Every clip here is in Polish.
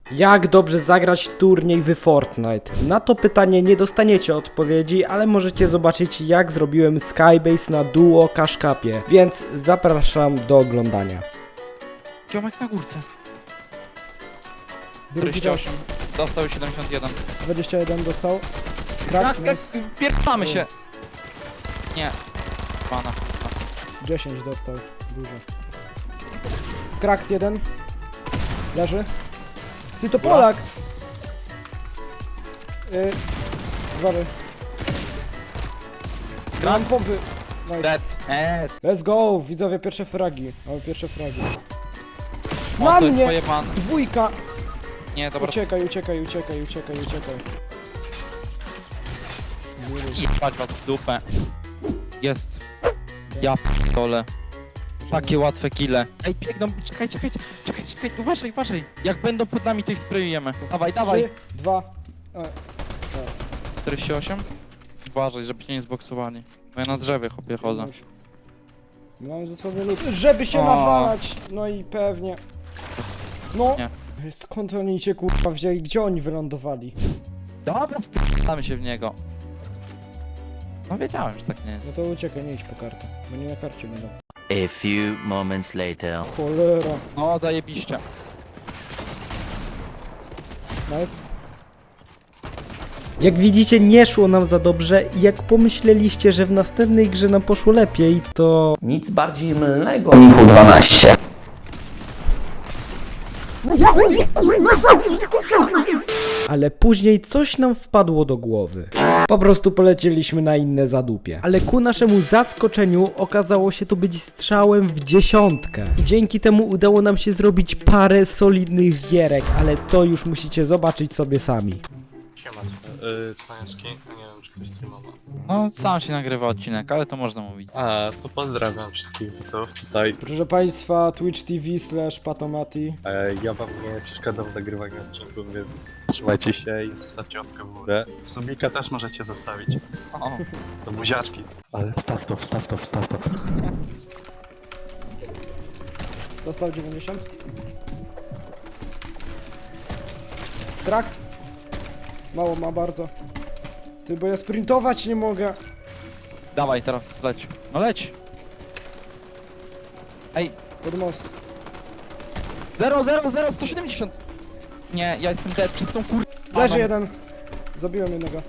Jak dobrze zagrać turniej w Fortnite? Na to pytanie nie dostaniecie odpowiedzi, ale możecie zobaczyć jak zrobiłem Skybase na Duo Cash Cupie, więc zapraszam do oglądania. Ziomek na górce. Drugi 48. Dostał 71. 21 dostał. Tak, Krak, pierdolamy się. Nie. Pana. 10 dostał. Dużo. Krak 1. Leży. Ty to Polak! Uważaj. Mam pompy. Nice. Dead. Let's go! Widzowie, pierwsze fragi. Mamy pierwsze fragi. O, Na to jest mnie! pojebane. Dwójka! Nie, dobra. Uciekaj. Jebać was w dupę. Jest. Ja p***dolę. Takie łatwe kille. Ej, biegną, czekaj, uważaj. Jak będą pod nami, to ich sprayujemy. Dawaj. 3, 2. 48? Uważaj, żeby cię nie zboksowali. Bo ja na drzewie chłopie chodzę. Mamy ze sobą lód. Żeby się O. nawalać! No i pewnie. No! Nie. Skąd oni cię kurwa wzięli? Gdzie oni wylądowali? Dobra, wpierdamy się w niego. No wiedziałem, że tak nie jest. No to uciekaj, nie idź po kartę. Bo nie na karcie będą. A few moments later. Cholera. No, zajebiście. Nice. Jak widzicie, nie szło nam za dobrze i jak pomyśleliście, że w następnej grze nam poszło lepiej, to... Nic bardziej mylnego. Michu 12. Ale później coś nam wpadło do głowy. Po prostu polecieliśmy na inne zadupie. Ale ku naszemu zaskoczeniu okazało się to być strzałem w dziesiątkę. I dzięki temu udało nam się zrobić parę solidnych gierek, ale to już musicie zobaczyć sobie sami. Siema, cwaniaczki. Nie wiem, czy ktoś streamował. No, sam się nagrywa odcinek, ale to można mówić. A, to pozdrawiam wszystkich widzów tutaj. Proszę Państwa, Twitch TV/Patomati. Ja wam nie przeszkadzam w nagrywaniu odcinków, więc trzymajcie się i zostawcie łapkę w górę. Subika też możecie zostawić. O, To buziaczki. Ale wstaw to. Dostał 90. Trakt. Mało ma bardzo. Ty, bo ja sprintować nie mogę. dawaj teraz, leć. No leć. Ej, Pod most. 170. Nie, ja jestem dead przez tą kur... Leży jeden. Zabiłem jednego.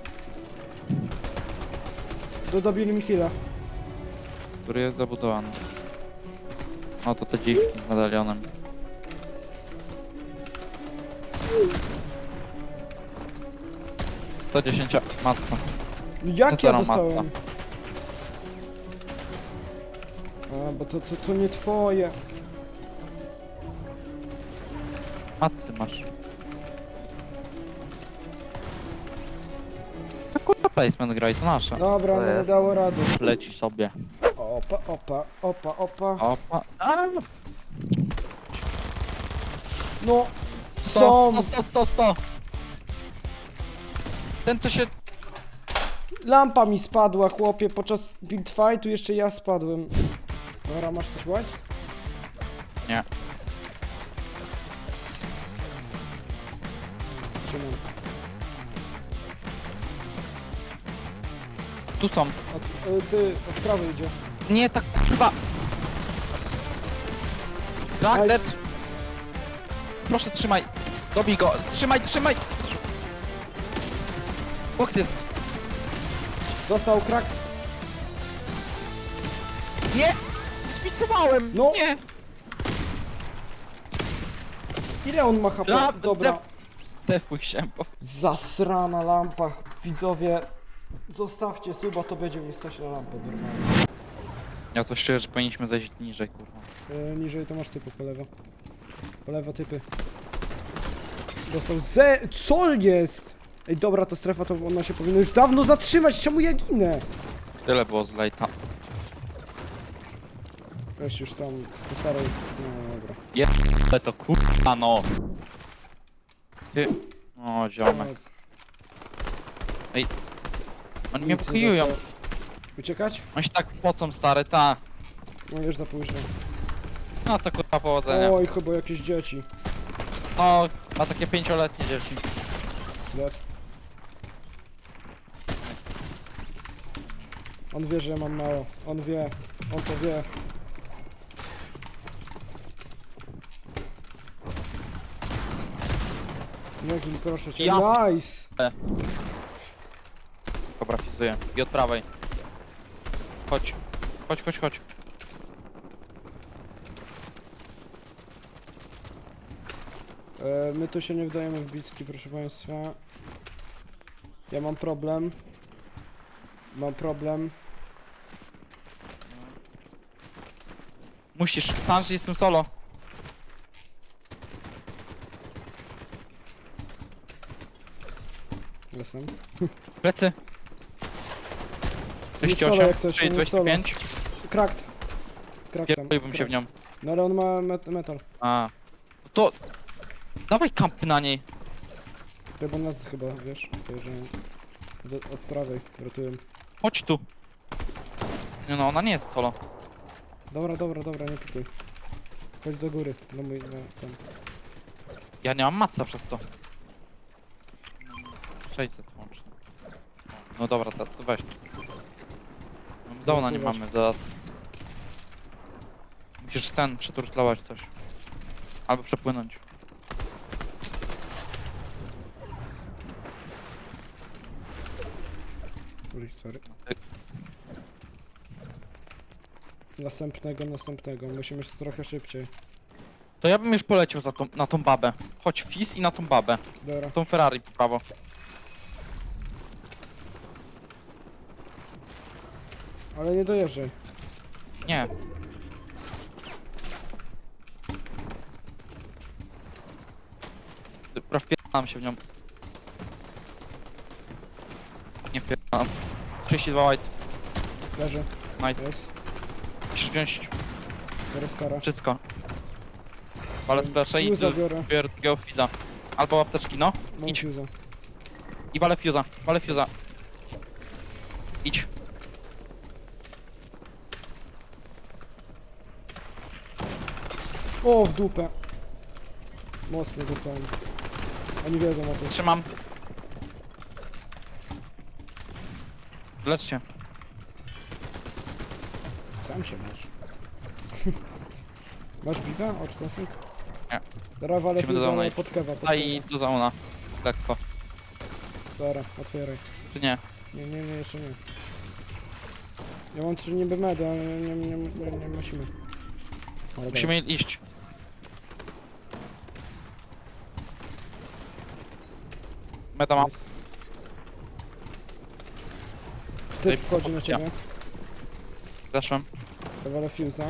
Dobili mi chwilę. Który jest zabudowany. O, to te dziwki z medalionem. To 10 matca. No jak ja Zero dostałem? matca. A, bo to nie twoje. Matcy masz. To kurwa placement gra i to nasze. Dobra, no nie dało rady. Leci sobie. Opa. Opa. A! No, 100, są. 100. Ten to się... Lampa mi spadła, chłopie, podczas build fightu jeszcze ja spadłem. Dobra, masz coś white? Nie. Trzymam. Tu są. Od prawej idzie. Nie, tak kurwa. Tak, Aj. dead. Proszę, trzymaj. Dobij go. Trzymaj. Box jest. Dostał krak. Nie! Spisowałem! No. Nie! Ile on ma HP? Dobra. Defuj się, bo... Zasrana lampa. Widzowie, zostawcie suba, to będzie mi stać na lampę normalnie. Ja to szczerze, że powinniśmy zejść niżej, kurwa. Niżej to masz typu po lewo. Po lewo typy. Dostał Co jest? Ej, dobra, ta strefa to ona się powinna już dawno zatrzymać, czemu ja ginę? Tyle było z lejta. Weź już tam po starej... No dobra. Ale to kurwa no! Ty... O, ziomek. Ej. Oni mnie Nic nie wkryjują. dostał. Uciekać? Oni się tak pocą, stary, ta. No już za późno. No to kurwa powodzenia. Oj, chyba jakieś dzieci. No, ma takie 5-letnie dzieci. Dead. On wie, że ja mam mało. On wie. On to wie. Nie gin, proszę cię. Ja- Nice! Dobra, fizuję. I od prawej. Chodź. Chodź, chodź, chodź. My tu się nie wdajemy w bitki, proszę państwa. Ja mam problem. Mam problem. Musisz. Sam, że jestem solo. Jestem. Plecy. Nie solo jak 38, coś, nie solo. 25. Cracked. Cracked tam. Pierdoliłbym się w nią. No ale on ma metal. A. No to... Dawaj kampy na niej. Chyba nas chyba, wiesz, to, że od prawej rotują. Chodź tu. Nie no, ona nie jest solo. Dobra, dobra, dobra, nie pikuj. Chodź do góry, do mój, no, tam. Ja nie mam matca przez to. 600 łącznie. No dobra, to weź. No, Zauna nie weź. mamy, zaraz. Musisz ten przeturtlować coś. Albo przepłynąć. Ui, sorry. Następnego, musimy trochę szybciej. To ja bym już poleciał na tą babę. Chodź Fizz i na tą babę. Dobra, Tą Ferrari po prawo. ale nie dojeżdżaj. Nie. Dobra, wpierdalam się w nią. Nie wpierdalam. 32 white. Leży, Nice. jest. Musisz wziąć Teraz kara. wszystko. Ale splaszę i Fuse'a biorę. biorę drugiego Fizza. Albo apteczki, no. Mam Idź. fuse'a. I walę Fuse'a. Walę Fuse'a. Idź. O, w dupę. Mocno dostałem. Oni wiedzą o tym. Trzymam. Lecz się. Sam się masz. Masz bita? Obstacik? Nie. Dobra, walę Musimy do fuse'a, domu ale iść. pod kewa, pod Daj kewa. do zauna. Lekko. Dobra, otwieraj. Czy nie? Nie, jeszcze nie. Ja mam 3 niby medy, ale nie musimy. Ale Musimy iść. Meta mam. dobra. Typ wchodzi na ciebie. Zeszłem. Dawalę fuse'a.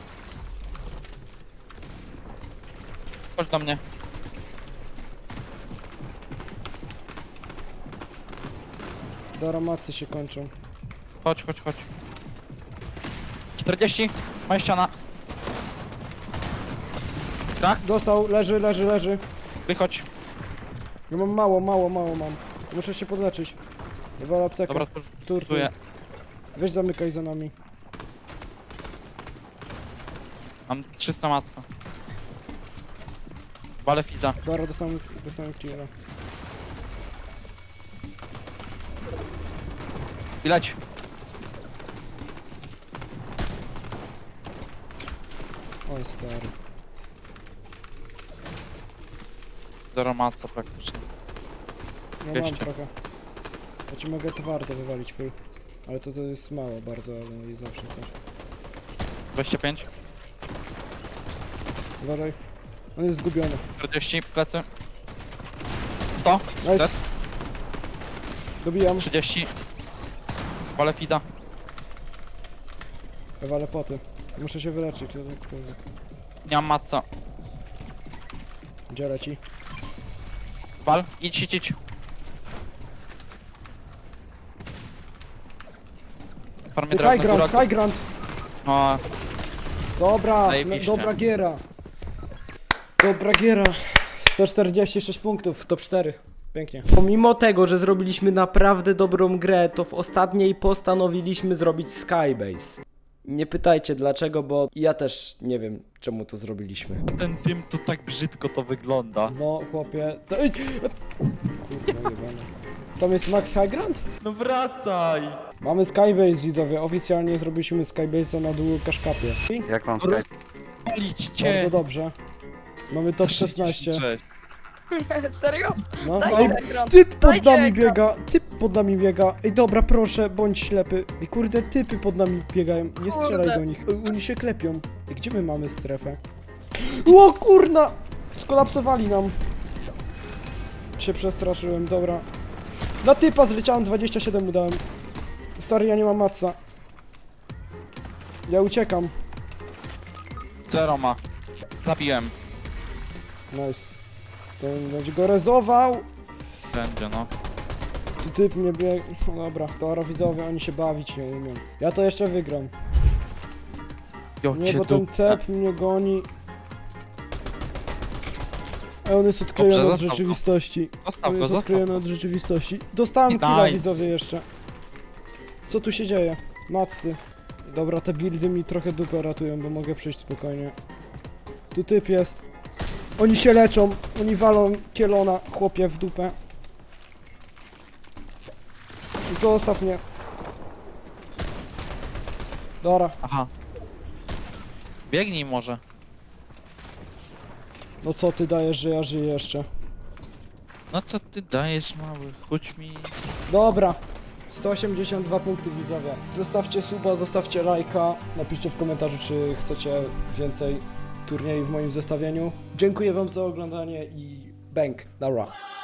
Chodź do mnie. Dobra, macy się kończą. Chodź, chodź, chodź. 40. Moja ściana. Tak? Dostał, leży. Wychodź. Ja mam mało mam. Muszę się podleczyć. Dawalę aptekę. Dobra, Tur. turtuję. Weź zamykaj za nami. Mam 300 matca. Walę Fizza. Dobra, dostałem killera. I leć. Oj, stary. Zero matca praktycznie. Ja mam 200. trochę. Ja ci mogę twardo wywalić full. Ale to jest mało bardzo, ale i zawsze coś. 25. Uważaj. On jest zgubiony. 40. Plecy. 100. Nice. Dead. Dobijam. 30. Walę Fizza. Ja walę poty. Muszę się wyleczyć. Kurde. Nie mam matca. Gdzie leci? Wal. Idź. Farmie drewno, góra. High ground. No, Dobra, Zajebiście. dobra giera. 146 punktów w top 4. Pięknie. Pomimo tego, że zrobiliśmy naprawdę dobrą grę, to w ostatniej postanowiliśmy zrobić Skybase. Nie pytajcie dlaczego, bo ja też nie wiem czemu to zrobiliśmy. Ten dym to tak brzydko to wygląda. No chłopie... Ej! Kurwa jebana. Tam jest Max High Ground? No wracaj! Mamy Skybase widzowie, oficjalnie zrobiliśmy Skybase'a na dół Kaszkapie. Jak mam Skype? Palić cię! Bardzo dobrze. Mamy top 16. Serio? No, Dajcie ej, ekran. typ pod Dajcie nami ekran. biega, typ pod nami biega. Ej dobra, proszę, bądź ślepy. Ej kurde, typy pod nami biegają, nie strzelaj Kurde. do nich. Ej, oni się klepią. Ej, gdzie my mamy strefę? O kurna! Skolapsowali nam. Się przestraszyłem, dobra. Na typa zleciałem, 27 mu dałem. Stary, ja nie mam matca. Ja uciekam. Zero ma. Zabiłem. Nice. To będzie go rezował. Będzie no. Tu typ mnie bieg... No dobra, to widzowie, oni się bawić nie umią. Ja to jeszcze wygram. Jo, Nie, cię bo ten dupę. cep mnie goni. A on jest odklejony Dobrze, od zostaw go. rzeczywistości. Zostaw On go, jest zostaw odklejony go. od rzeczywistości. Dostałem Nice. killa widzowie jeszcze. Co tu się dzieje? Matsy. Dobra, te buildy mi trochę dupę ratują, bo mogę przejść spokojnie. Tu typ jest. Oni się leczą, oni walą kielona, chłopie, w dupę. Zostaw mnie. Dobra, Aha. Biegnij może. no co ty dajesz, że ja żyję jeszcze? No co ty dajesz mały, chodź mi. Dobra, 182 punkty widzowie. Zostawcie suba, zostawcie lajka, napiszcie w komentarzu, czy chcecie więcej turniejów w moim zestawieniu. Dziękuję wam za oglądanie i bang, dobra.